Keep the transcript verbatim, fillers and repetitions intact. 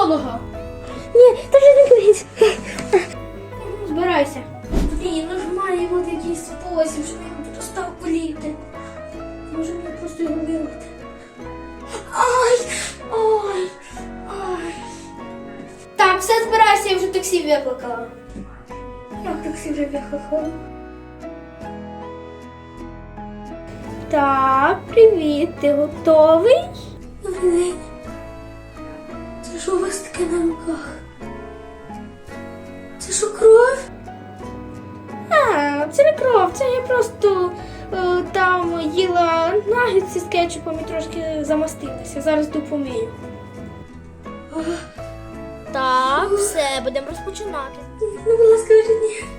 стоматолога. Ні, та вже не болить. Збирайся. Блін, ну ж має бути якийсь спосіб, щоб він перестав боліти. Може мені просто його вирвати. Ай! Ой! Ай! Так, все, збирайся, я вже таксі викликала. Як таксі вже викликала? Так, привіт, ти готовий? Добрий день. Це що у вас таке на руках? Це що, кров? А, це не кров, це я просто е, там їла нагетси з кетчупом і трошки замастилася. Зараз допомію. Так, все, будемо розпочинати. Ну, будь ласка, вже ні.